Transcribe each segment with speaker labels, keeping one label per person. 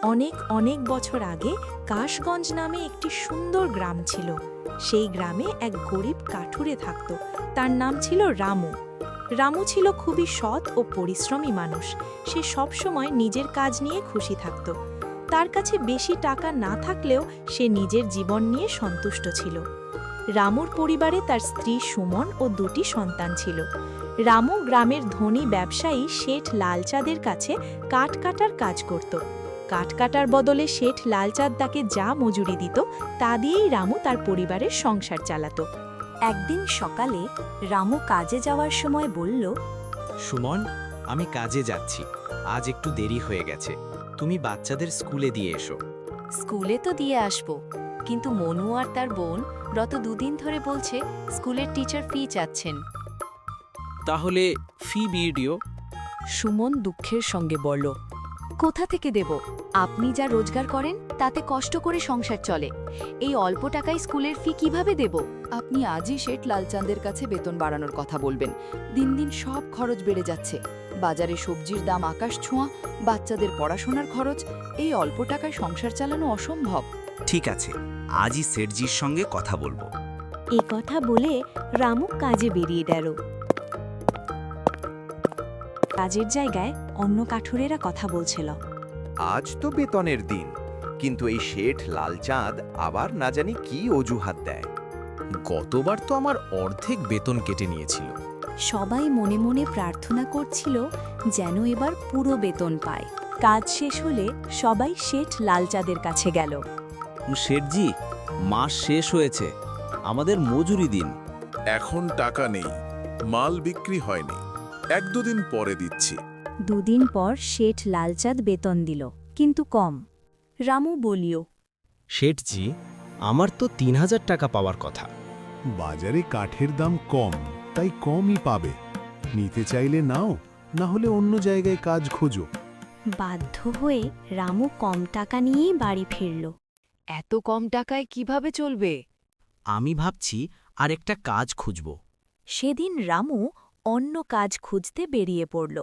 Speaker 1: অনেক অনেক বছর আগে কাশগঞ্জ নামে একটি সুন্দর গ্রাম ছিল। সেই গ্রামে এক গরিব কাঠুরে থাকত। তার নাম ছিল রামু। রামু ছিল খুবই সৎ ও পরিশ্রমী মানুষ। সে সবসময় নিজের কাজ নিয়ে খুশি থাকত। তার কাছে বেশি টাকা না থাকলেও সে নিজের জীবন নিয়ে সন্তুষ্ট ছিল। রামুর পরিবারে তার স্ত্রী সুমন ও দুটি সন্তান ছিল। রামু গ্রামের ধনী ব্যবসায়ী শেঠ লালচাঁদের কাছে কাঠ কাটার কাজ করত। কাঠ কাটার বদলে শেঠ লালচাঁদ তাকে যা মজুরি দিত তা দিয়েই রামু তার পরিবারের সংসার চালাত। একদিন সকালে রামু কাজে যাওয়ার সময় বলল,
Speaker 2: সুমন, আমি কাজে যাচ্ছি, আজ একটু দেরি হয়ে গেছে, তুমি বাচ্চাদের স্কুলে দিয়ে এসো।
Speaker 3: স্কুলে তো দিয়ে আসবো, কিন্তু মনু আর তার বোন গত দুদিন ধরে বলছে স্কুলের টিচার ফি চাচ্ছেন।
Speaker 2: তাহলে ফি ভিডিও?
Speaker 3: সুমন দুঃখের সঙ্গে বলল, কোথা থেকে দেব? আপনি যা রোজগার করেন তাতে কষ্ট করে সংসার চলে, এই অল্প টাকায় স্কুলের ফি কিভাবে দেব? আপনি আজই শেঠ লালচাঁদের কাছে বেতন বাড়ানোর কথা বলবেন। দিন দিন সব খরচ বেড়ে যাচ্ছে, বাজারে সবজির দাম আকাশ ছোঁয়া, বাচ্চাদের পড়াশোনার খরচ, এই অল্প টাকায় সংসার চালানো অসম্ভব।
Speaker 4: ঠিক আছে, আজই সেটজির সঙ্গে কথা বলবো।
Speaker 1: এ কথা বলে রামু কাজে বেরিয়ে গেল। কাজের জায়গায় অন্য কাঠুরেরা কথা বলছিল।
Speaker 5: আজ তো বেতনের দিন, কিন্তু এই শেঠ লালচাঁদ আবার না জানি কি অজুহাত দেয়।
Speaker 2: গতবার তো আমার অর্ধেক বেতন কেটে নিয়েছিল।
Speaker 1: সবাই মনে মনে প্রার্থনা করছিল যেন এবার পুরো বেতন পায়। কাজ শেষ হলে সবাই শেঠ লালচাঁদের কাছে গেল।
Speaker 6: শেঠজি, মাস শেষ হয়েছে, আমাদের মজুরি দিন।
Speaker 7: এখন টাকা নেই, মাল বিক্রি হয়নি, এক দুদিন পরে দিচ্ছি।
Speaker 1: দুদিন পর শেঠ লালচাঁদ বেতন দিল, কিন্তু কম। রামু বলিও,
Speaker 2: শেঠজি, আমার তো ৩,০০০ টাকা পাওয়ার কথা।
Speaker 8: বাজারে কাঠের দাম কম, তাই কমই পাবে। নিতে চাইলে নাও, না হলে অন্য জায়গায় কাজ খোঁজো।
Speaker 1: বাধ্য হয়ে রামু কম টাকা নিয়েই বাড়ি ফিরল।
Speaker 3: এত কম টাকায় কিভাবে চলবে?
Speaker 2: আমি ভাবছি আর একটা কাজ খুঁজব।
Speaker 1: সেদিন রামু অন্য কাজ খুঁজতে বেরিয়ে পড়ল।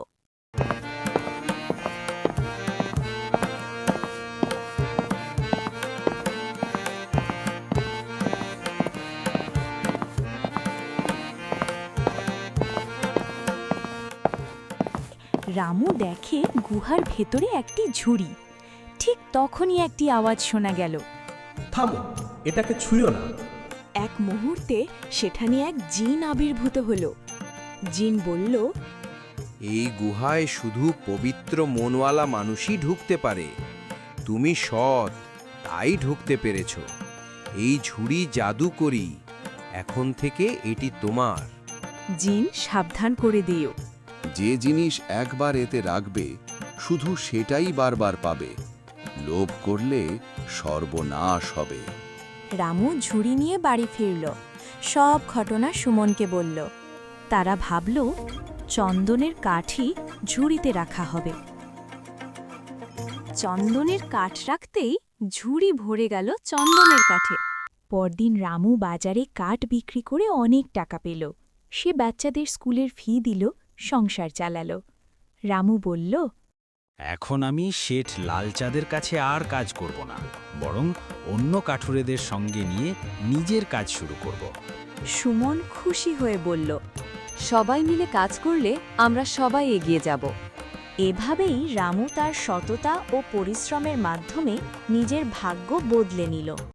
Speaker 1: রামু দেখে গুহার ভেতরে একটি ঝুড়ি। ঠিক তখনই একটি আওয়াজ শোনা গেল।
Speaker 9: থামো, এটাকে ছুঁয়ো না।
Speaker 1: এক মুহূর্তে সেখানে এক জিন আবির্ভূত হল। জিন বলল,
Speaker 5: এই গুহায় শুধু পবিত্র মনওয়ালা মানুষই ঢুকতে পারে। তুমি সৎ, তাই ঢুকতে পেরেছ। এই ঝুড়ি জাদুকরি, এখন থেকে এটি তোমার।
Speaker 1: জিন সাবধান করে দিও।
Speaker 7: যে জিনিস একবার এতে রাখবে, শুধু সেটাই বারবার পাবে। লোভ করলে সর্বনাশ হবে।
Speaker 1: রামু ঝুড়ি নিয়ে বাড়ি ফিরল। সব ঘটনা সুমনকে বলল। তারা ভাবল চন্দনের কাঠই ঝুড়িতে রাখা হবে। চন্দনের কাঠ রাখতেই ঝুড়ি ভরে গেল চন্দনের কাঠে। পরদিন রামু বাজারে কাঠ বিক্রি করে অনেক টাকা পেল। সে বাচ্চাদের স্কুলের ফি দিল, সংসার চালাল। রামু বলল,
Speaker 2: এখন আমি শেঠ লালচাঁদের কাছে আর কাজ করব না, বরং অন্য কাঠুরেদের সঙ্গে নিয়ে নিজের কাজ শুরু করব।
Speaker 1: সুমন খুশি হয়ে বলল,
Speaker 3: সবাই মিলে কাজ করলে আমরা সবাই এগিয়ে যাব।
Speaker 1: এভাবেই রামু তার সততা ও পরিশ্রমের মাধ্যমে নিজের ভাগ্য বদলে নিল।